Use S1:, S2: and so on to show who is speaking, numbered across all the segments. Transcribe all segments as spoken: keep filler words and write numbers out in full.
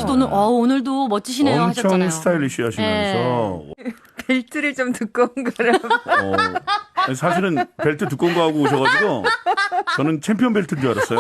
S1: 씨도 오늘, 어, 오늘도 멋지시네요
S2: 엄청
S1: 하셨잖아요.
S2: 스타일리시 하시면서.
S3: 벨트를 좀 두꺼운 거라.
S2: 어, 사실은 벨트 두꺼운 거 하고 오셔가지고 저는 챔피언 벨트인 줄 알았어요.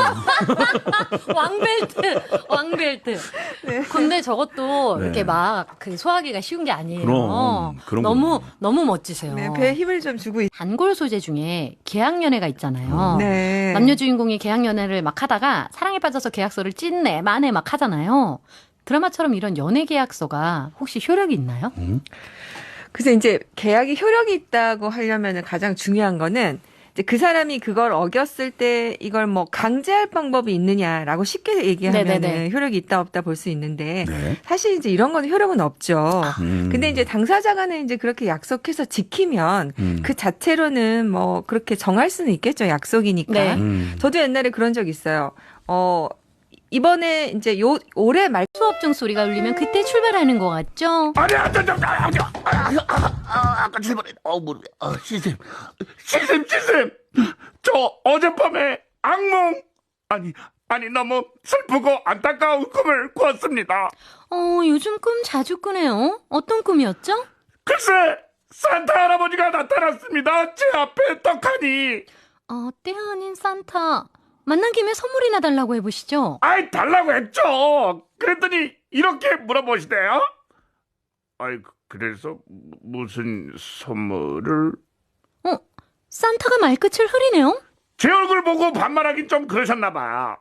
S1: 왕벨트, 왕벨트.
S3: 네.
S1: 근데 저것도
S2: 네.
S1: 이렇게 막 그 소화하기가 쉬운 게 아니에요.
S2: 그럼, 그런
S1: 너무,
S2: 거예요.
S1: 너무 멋지세요.
S3: 네, 배에 힘을 좀 주고 있...
S1: 단골 소재 중에 계약연애가 있잖아요.
S3: 네.
S1: 남녀 주인공이 계약연애를 막 하다가 사랑에 빠져서 계약서를 찐내 만에 막 하잖아요. 드라마처럼 이런 연애 계약서가 혹시 효력이 있나요?
S2: 음?
S3: 그래서 이제 계약이 효력이 있다고 하려면 가장 중요한 거는 이제 그 사람이 그걸 어겼을 때 이걸 뭐 강제할 방법이 있느냐라고 쉽게 얘기하면
S1: 네네네.
S3: 효력이 있다 없다 볼 수 있는데
S2: 네.
S3: 사실 이제 이런 건 효력은 없죠.
S2: 음.
S3: 근데 이제 당사자 간에 이제 그렇게 약속해서 지키면
S2: 음.
S3: 그 자체로는 뭐 그렇게 정할 수는 있겠죠. 약속이니까.
S1: 네.
S2: 음.
S3: 저도 옛날에 그런 적 있어요. 어, 이번에 이제 요, 올해 말
S1: 수업중 소리가 울리면 그때 출발하는 것 같죠?
S4: 아니, 아, 저, 저, 아, 저, 아, 아, 아, 아까 출발해. 어, 무릎에. 아, 시샘. 시샘, 시샘. 저 어젯밤에 악몽. 아니, 아니, 너무 슬프고 안타까운 꿈을 꾸었습니다.
S1: 어, 요즘 꿈 자주 꾸네요. 어떤 꿈이었죠?
S4: 글쎄, 산타 할아버지가 나타났습니다. 제 앞에 떡하니.
S1: 어, 때 아닌 산타. 만난 김에 선물이나 달라고 해보시죠.
S4: 아이, 달라고 했죠. 그랬더니 이렇게 물어보시대요. 아이, 그래서 무슨 선물을?
S1: 어, 산타가 말끝을 흐리네요?
S4: 제 얼굴 보고 반말하긴 좀 그러셨나 봐.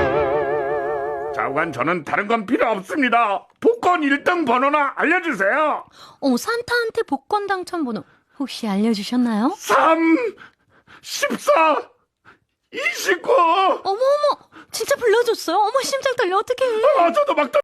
S4: 좌우간 저는 다른 건 필요 없습니다. 복권 일 등 번호나 알려주세요.
S1: 어, 산타한테 복권 당첨 번호 혹시 알려주셨나요?
S4: 삼, 십사, 이십구.
S1: 어머, 어머, 진짜 불러줬어요? 어머, 심장 떨려, 어떡해.
S4: 아, 저도 막